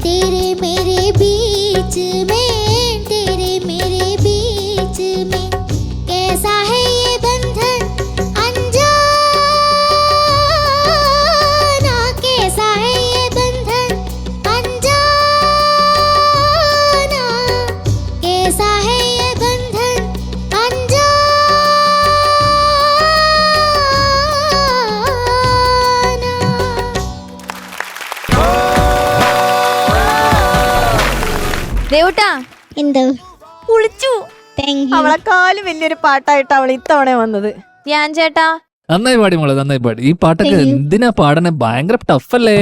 तेरे मेरे बीच में, तेरे मेरे बीच में कैसा है ये बंधन अनजाना, कैसा है ये बंधन अनजाना, कैसा है ये बंधन अनजाना। ദേവുട്ടാ എന്തോ കുളിച്ചു. Thank you. അവളെക്കാളും വലിയൊരു പാട്ടായിട്ട് അവൾ ഇത്തവണ വന്നത്. ഞാൻ ചേട്ടാ നന്നായി പാടി മോളെ, നന്നായി പാടി. ഈ പാട്ടൊക്കെ Thank you. എന്തിനാ പാടണേ? ഭയങ്കര ടഫല്ലേ?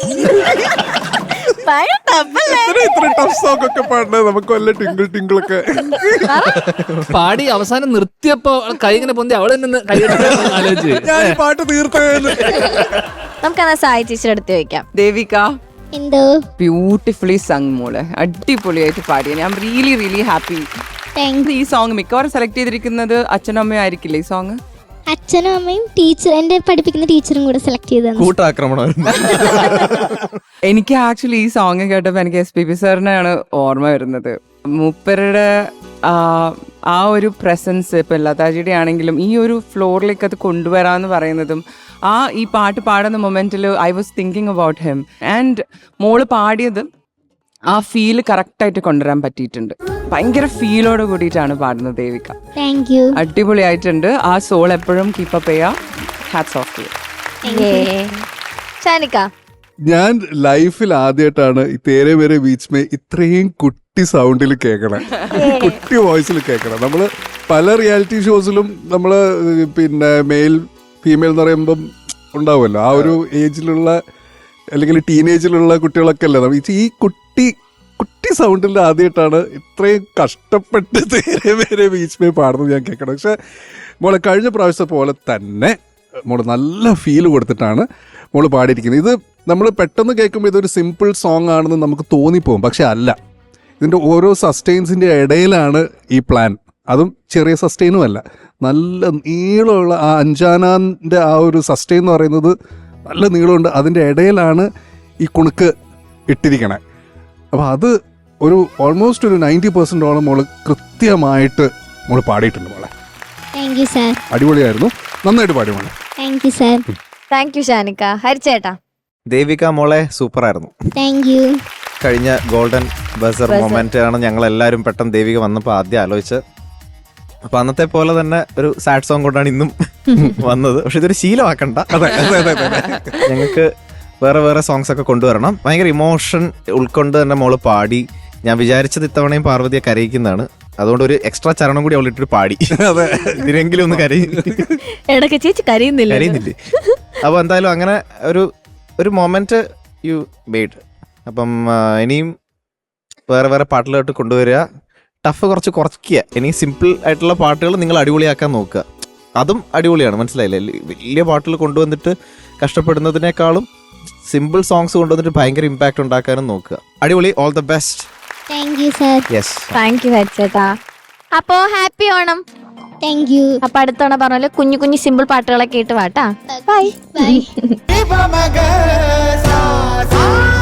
ഇത്ര ടഫ് സോങ് ഒക്കെ പാടണേ നമുക്ക് വല്ല ടിങ്കിൾ ടിങ്കിളൊക്കെ പാടി അവസാനം നിർത്തിയപ്പോ കൈ ഇങ്ങനെ പൊന്തി അവള് തന്നെ കൈ ആലോചിച്ച് ഞാൻ ഈ പാട്ട് തീർത്തേന്ന്. നമുക്കെന്നാ സായി ടീച്ചർ എടുത്ത് വെക്കാം. ദേവിക എന്തോ ബ്യൂട്ടിഫുള്ളി സങ് മോളെ, അടിപൊളിയായിട്ട് പാടിയ. ഞാൻ really really happy. Thank you. ഈ സോങ് മിക്കവാറും സെലക്ട് ചെയ്തിരിക്കുന്നത് അച്ഛനും അമ്മയും ആയിരിക്കില്ലേ ഈ സോങ്? അച്ഛനും അമ്മയും ടീച്ചർ, എന്റെ പഠിപ്പിക്കുന്ന ടീച്ചറും കൂടെ സെലക്ട് ചെയ്തതാണ്. കൂട്ടാക്രമണമായിരുന്നു. എനിക്ക് ആക്ച്വലി ഈ സോങ് കേട്ടപ്പോൾ എനിക്ക് SPB സാറിനെയാണ് ഓർമ്മ വരുന്നത്. മൂപ്പരുടെ ആ ഒരു പ്രസൻസ്, ഇപ്പം ലതാജിയുടെ ആണെങ്കിലും ഈ ഒരു ഫ്ലോറിലേക്ക് അത് കൊണ്ടുവരാമെന്ന് പറയുന്നതും ഈ പാട്ട് പാടുന്ന മൊമെന്റിൽ I was thinking about him. And മോള് പാടിയത് ആ ഫീല് കറക്റ്റായിട്ട് കൊണ്ടുവരാൻ പറ്റിയിട്ടുണ്ട്. ഭയങ്കര ഫീലോട് കൂടിയിട്ടാണ് പാടുന്നത് ദേവിക. Thank you. അടിപൊളിയായിട്ടുണ്ട്. ആ സോൾ എപ്പോഴും കീപ്പപ്പ് ചെയ്യാം. Hats of two. ഷാനിക്ക ഞാൻ ലൈഫിൽ ആദ്യമായിട്ടാണ് ഈ തേരെ മേരെ ബീച്ച് മേ ഇത്രയും കുട്ടി സൗണ്ടിൽ കേൾക്കണേ, കുട്ടി വോയിസിൽ കേൾക്കണം. നമ്മള് പല റിയാലിറ്റി ഷോസിലും നമ്മള് പിന്നെ മെയിൽ ഫീമെയിൽ എന്ന് പറയുമ്പം ഉണ്ടാവുമല്ലോ, ആ ഒരു ഏജിലുള്ള അല്ലെങ്കിൽ ടീനേജിലുള്ള കുട്ടികളൊക്കെ അല്ലേ ഈ കുട്ടി കുട്ടി സൗണ്ടിൽ ആദ്യമായിട്ടാണ് ഇത്രയും കഷ്ടപ്പെട്ട് തേരെ മേരെ ബീച്ച് മേ പാടുന്നത് ഞാൻ കേൾക്കണം. പക്ഷെ മോളെ കഴിഞ്ഞ പ്രാവശ്യത്തെ പോലെ തന്നെ മോള് നല്ല ഫീല് കൊടുത്തിട്ടാണ് മോള് പാടിയിരിക്കുന്നത്. ഇത് നമ്മൾ പെട്ടെന്ന് കേൾക്കുമ്പോൾ ഇതൊരു സിമ്പിൾ സോങ് ആണെന്ന് നമുക്ക് തോന്നിപ്പോകും, പക്ഷെ അല്ല. ഇതിൻ്റെ ഓരോ സസ്റ്റെയിൻസിൻ്റെ ഇടയിലാണ് ഈ പ്ലാൻ. അതും ചെറിയ സസ്റ്റെയിനും അല്ല, നല്ല നീളമുള്ള ആ അഞ്ചാനാൻ്റെ ആ ഒരു സസ്റ്റെയിൻ എന്ന് പറയുന്നത് നല്ല നീളമുണ്ട്. അതിൻ്റെ ഇടയിലാണ് ഈ കുണുക്ക് ഇട്ടിരിക്കണേ. അപ്പോൾ അത് ഒരു ഓൾമോസ്റ്റ് ഒരു 90% മോള് കൃത്യമായിട്ട് മോള് പാടിയിട്ടുണ്ട് മോളെ. Thank you sir. അടിപൊളിയായിരുന്നു, നന്നായിട്ട് പാടി മോളെ. Thank you sir. Thank you ഷാനിക്ക. ഹരിച്ചേട്ടാ ദേവിക മോളെ സൂപ്പറായിരുന്നു. Thank you. കഴിഞ്ഞ ഗോൾഡൻ ബസർ മൊമെന്റ് ആണ് ഞങ്ങൾ എല്ലാവരും പെട്ടെന്ന് ദേവിക വന്നപ്പോൾ ആദ്യം ആലോചിച്ച്. അപ്പൊ അന്നത്തെ പോലെ തന്നെ ഒരു സാഡ് സോങ് കൊണ്ടാണ് ഇന്നും വന്നത്. പക്ഷെ ഇതൊരു ശീലമാക്കണ്ട, ഞങ്ങൾക്ക് വേറെ വേറെ സോങ്സ് ഒക്കെ കൊണ്ടുവരണം. ഭയങ്കര ഇമോഷൻ ഉൾക്കൊണ്ട് തന്നെ മോള് പാടി. ഞാൻ വിചാരിച്ചത് ഇത്തവണയും പാർവതിയെ കരയിക്കുന്നതാണ്. അതുകൊണ്ട് ഒരു എക്സ്ട്രാ ചരണം കൂടി അവളിട്ടൊരു പാടി, ഇതിനെങ്കിലും ഒന്ന് ഇടയ്ക്ക് ചേച്ചി കരയുന്നില്ലേ. അപ്പൊ എന്തായാലും അങ്ങനെ ഒരു മൊമെന്റ് യു മെയ്ഡ്. അപ്പം ഇനിയും വേറെ വേറെ പാട്ടുകളായിട്ട് കൊണ്ടുവരിക, ടഫ് കുറച്ച് കുറയ്ക്കുക. ഇനി സിമ്പിൾ ആയിട്ടുള്ള പാട്ടുകൾ നിങ്ങൾ അടിപൊളിയാക്കാൻ നോക്കുക. അതും അടിപൊളിയാണ്, മനസ്സിലായില്ലേ? വലിയ പാട്ടുകൾ കൊണ്ടുവന്നിട്ട് കഷ്ടപ്പെടുന്നതിനേക്കാളും സിമ്പിൾ സോങ്സ് കൊണ്ടുവന്നിട്ട് ഭയങ്കര ഇമ്പാക്ട് ഉണ്ടാക്കാനും നോക്കുക. അടിപൊളി. All the best. Thank you sir. Yes, thank you ഹരിച്ചേട്ടാ. അപ്പോ ഹാപ്പി ഓണം. Thank you. അപ്പൊ അടുത്തവണ പറഞ്ഞ പോലെ കുഞ്ഞു കുഞ്ഞു സിമ്പിൾ പാട്ടുകളൊക്കെ കേട്ട് വാട്ടാ. Bye bye.